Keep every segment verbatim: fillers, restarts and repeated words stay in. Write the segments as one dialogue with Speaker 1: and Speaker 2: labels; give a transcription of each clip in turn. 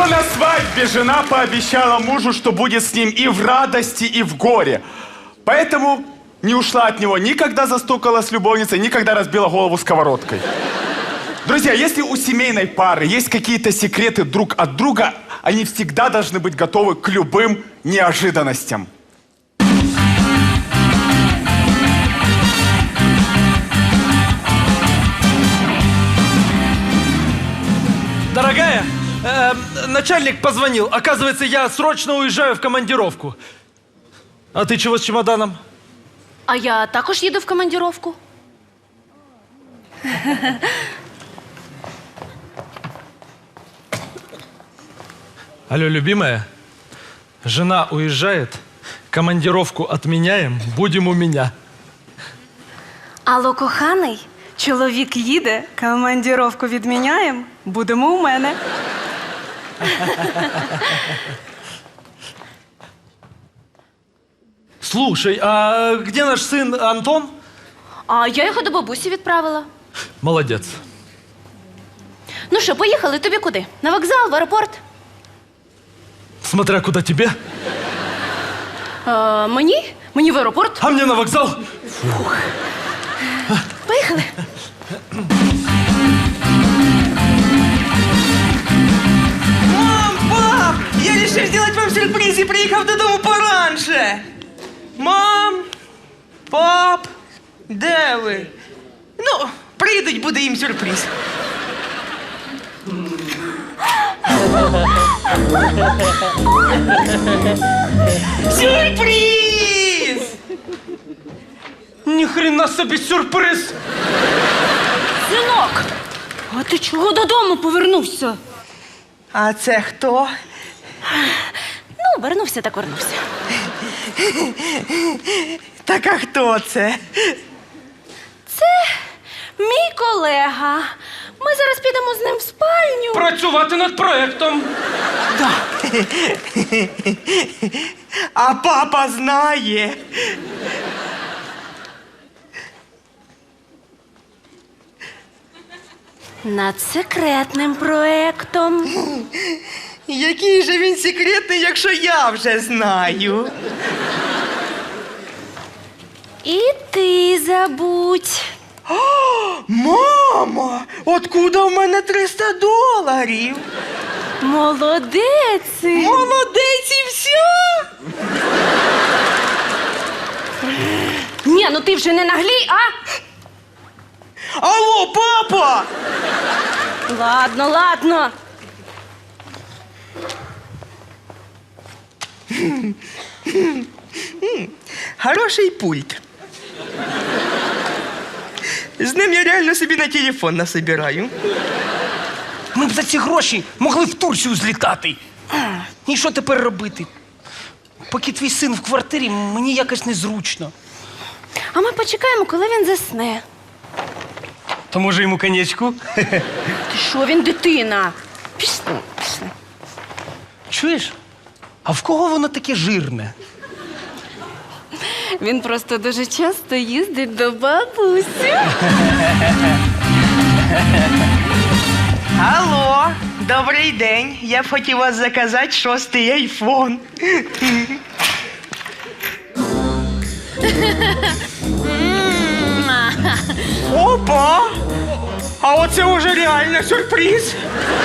Speaker 1: Но на свадьбе жена пообещала мужу, что будет с ним и в радости, и в горе. Поэтому не ушла от него, никогда застукала с любовницей, никогда разбила голову сковородкой. Друзья, если у семейной пары есть какие-то секреты друг от друга, они всегда должны быть готовы к любым неожиданностям.
Speaker 2: Дорогая, э, начальник позвонил. Оказывается, я срочно уезжаю в командировку. А ты чего с чемоданом?
Speaker 3: А я також їду в командировку.
Speaker 2: Алло, любимая, жена уезжает, командировку отменяем, будем у меня.
Speaker 4: Алло, коханий, чоловік їде, командировку відміняємо, будемо у мене.
Speaker 2: Слушай, а где наш сын Антон?
Speaker 3: А я його до бабусі відправила.
Speaker 2: Молодец.
Speaker 3: Ну що, поїхали? Тобі куди? На вокзал, в аеропорт?
Speaker 2: Смотря куда тебе.
Speaker 3: А, мені? Мені в аеропорт?
Speaker 2: А мне на вокзал.
Speaker 3: Поїхали.
Speaker 5: Мам, пап, я решил сделать вам сюрприз и приехал додому пораньше. Мам, пап, де ви? Ну, прийдуть, буде їм сюрприз. Сюрприз!
Speaker 2: Ни хрена собі сюрприз.
Speaker 3: Синок, а ти чого додому повернувся?
Speaker 5: А це хто?
Speaker 3: Ну, вернувся так вернувся.
Speaker 5: Так а хто це?
Speaker 3: Це мій колега. Ми зараз підемо з ним в спальню.
Speaker 2: Працювати над проектом.
Speaker 5: А папа знає.
Speaker 3: Над секретним проектом.
Speaker 5: Який же він секретний, якщо я вже знаю.
Speaker 3: І ти забудь.
Speaker 5: Мама, откуда в мене триста доларів?
Speaker 3: Молодець.
Speaker 5: Молодець і все?
Speaker 3: Ні, ну ти вже не наглій, а?
Speaker 5: Алло, папа!
Speaker 3: Ладно, ладно.
Speaker 5: Хороший пульт. З ним я реально собі на телефон насобираю.
Speaker 6: Ми б за ці гроші могли в Турцію злітати. І що тепер робити? Поки твій син в квартирі, мені якось незручно.
Speaker 3: А ми почекаємо, коли він засне.
Speaker 6: То може йому коньячку?
Speaker 3: Ти що, він дитина? Пішли, пішли.
Speaker 6: Чуєш? А в кого воно таке жирне?
Speaker 3: Він просто дуже часто їздить до бабусі.
Speaker 5: Алло, добрий день. Я б хотів вас заказати шостий айфон. Опа! А оце уже реально сюрприз.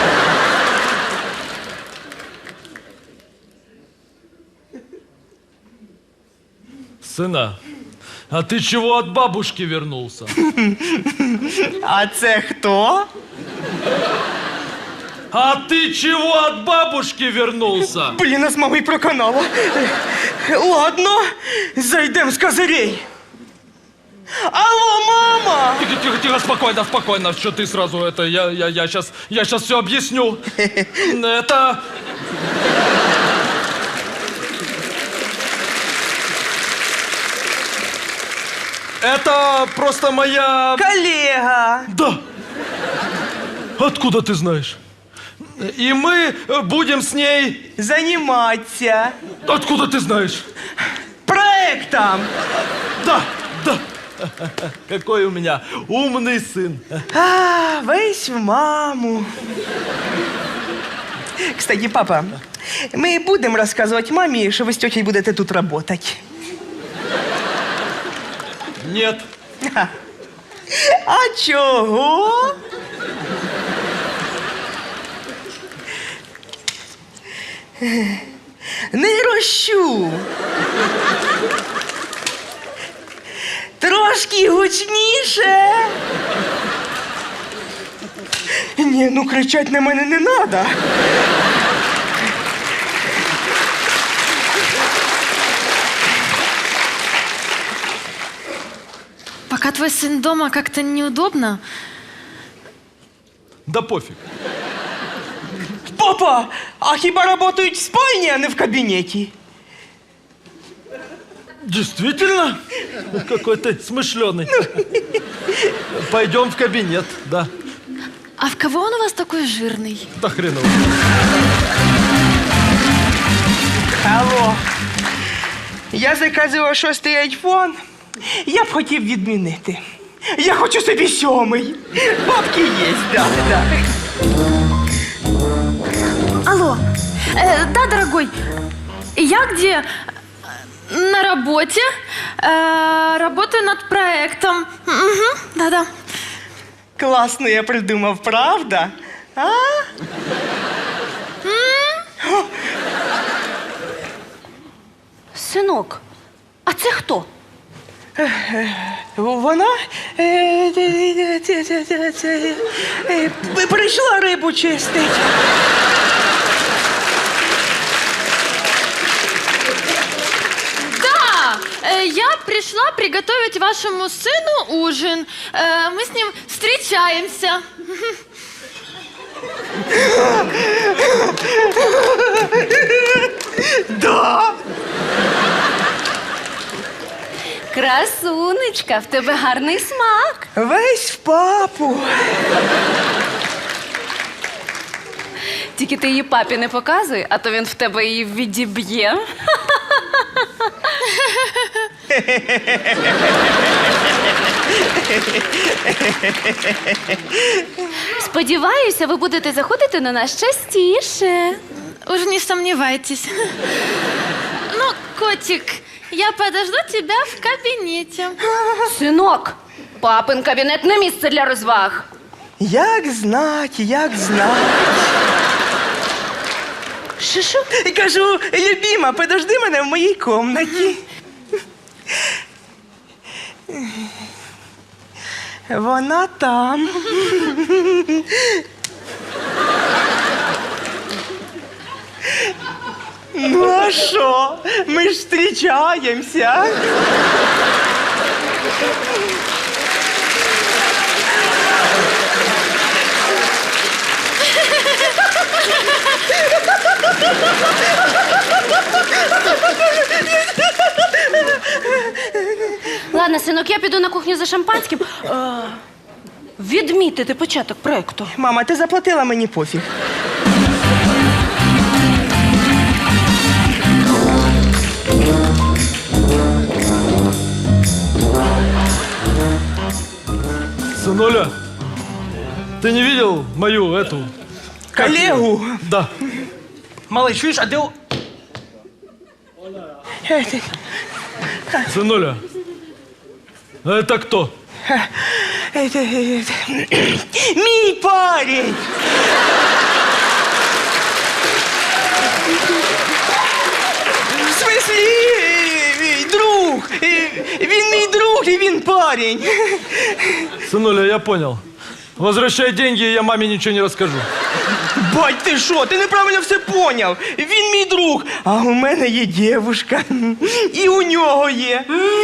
Speaker 2: Сына, а ты чего от бабушки вернулся?
Speaker 5: А це хто?
Speaker 2: А ты чего от бабушки вернулся?
Speaker 5: Блін, нас мамою проканало. Ладно, зайдем з козирей. Алло, мама!
Speaker 2: Тихо, тихо, тихо, спокойно, спокойно. Что ты сразу это? Я, я, я сейчас, я сейчас все объясню. Это... Это просто моя...
Speaker 5: Коллега!
Speaker 2: Да. Откуда ты знаешь? И мы будем с ней...
Speaker 5: Заниматься
Speaker 2: Откуда ты знаешь?
Speaker 5: проектом.
Speaker 2: Да, да. Какой у меня умный сын.
Speaker 5: А, весь в маму. Кстати, папа, ми будемо розказувати мамі, що ви з тьотєю будете тут працювати.
Speaker 2: Нет.
Speaker 5: А чого? Не рощу. Трошки гучніше. Ні, ну кричать на мене не треба.
Speaker 7: Пока твой сын дома, как-то неудобно.
Speaker 2: Да пофиг.
Speaker 5: Папа, а хіба працюють в спальні, а не в кабінеті?
Speaker 2: Действительно? Какой ты смышленый. Пойдем в кабинет, да.
Speaker 7: А в кого он у вас такой жирный?
Speaker 2: Да хреново.
Speaker 5: Алло. Я заказував шостий айфон. Я б хотів відмінити. Я хочу собі сьомий. Бабки є, да, да.
Speaker 7: Алло. Э, да, дорогой. Я где? На работе. Э, работаю над проектом. Угу, да-да.
Speaker 5: Класно я придумав, правда? А?
Speaker 3: Синок, а це хто?
Speaker 5: Вона е, це, це, це, це, це, е, прийшла рибу чистить.
Speaker 7: Да, э, я пришла приготовить вашему сыну ужин. Э, мы с ним встречаемся.
Speaker 5: Да.
Speaker 3: Красунечка, в тебе гарний смак.
Speaker 5: Весь в папу.
Speaker 3: Тільки ти її папі не показуй, а то він в тебе її відіб'є. Сподіваюся, ви будете заходити на нас частіше.
Speaker 7: Уж не сомневайтесь. Ну, котик, я подожду тебя в кабинете.
Speaker 3: Синок, папин кабінет не місце для розваг.
Speaker 5: Як знать, як знать.
Speaker 3: Шишу?
Speaker 5: Кажу, любима, подожди мене в моїй комнаті. Вона там. Ну а що? Ми ж зустрічаємося.
Speaker 3: Ладно, синок, я піду на кухню за шампанським. Е, відмітити початок проекту.
Speaker 5: Мама, ти заплатила, мені пофіг.
Speaker 2: Сынуля, ты не видел мою эту... как её?
Speaker 5: Коллегу.
Speaker 2: Да.
Speaker 6: Малий, чуєш, а де... о-
Speaker 2: Сынуля, а это кто?
Speaker 5: Это, это, мій парень. В смислі, е, друг. Е, Він мій друг і він парень.
Speaker 2: Сынуля, я понял. Возвращай деньги, и я маме ничего не расскажу.
Speaker 5: Бать, ти що? Ти неправильно все поняв. Він мій друг, а у мене є дівушка. І у нього є.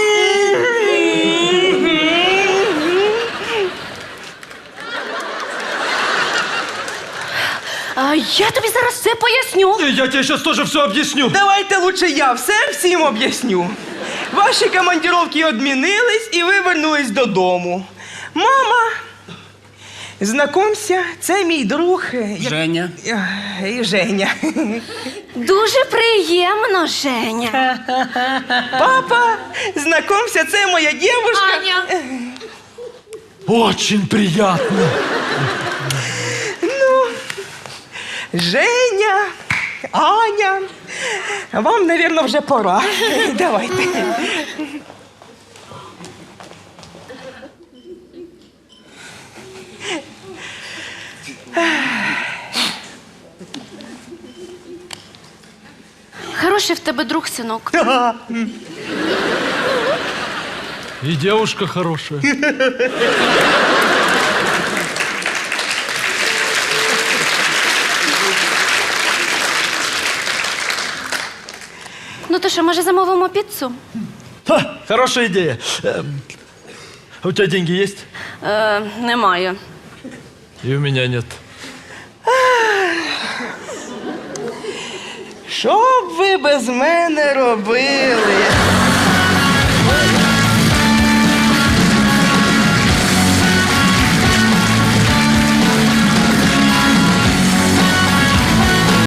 Speaker 3: А я тобі зараз все поясню.
Speaker 2: И я тебе сейчас тоже все объясню.
Speaker 5: Давайте лучше я все всім об'ясню. Ваші командировки відмінились і ви вернулись додому. Мама, знакомся, це мій друг. е, як-
Speaker 6: Женя.
Speaker 5: е, І Женя.
Speaker 3: Дуже приємно, Женя.
Speaker 5: Папа, знакомся, це моя дівушка.
Speaker 7: Аня.
Speaker 2: Очень приятно.
Speaker 5: Женя, Аня, вам, мабуть, вже пора. Давайте.
Speaker 3: Хороший в тебе друг, синок.
Speaker 2: И девушка хорошая.
Speaker 3: Ну то що, може замовимо піцу?
Speaker 2: Ха, хорошая идея. Эм, а у тебя деньги есть?
Speaker 3: Е, немає.
Speaker 2: И у меня нет.
Speaker 5: Що б ви без мене робили?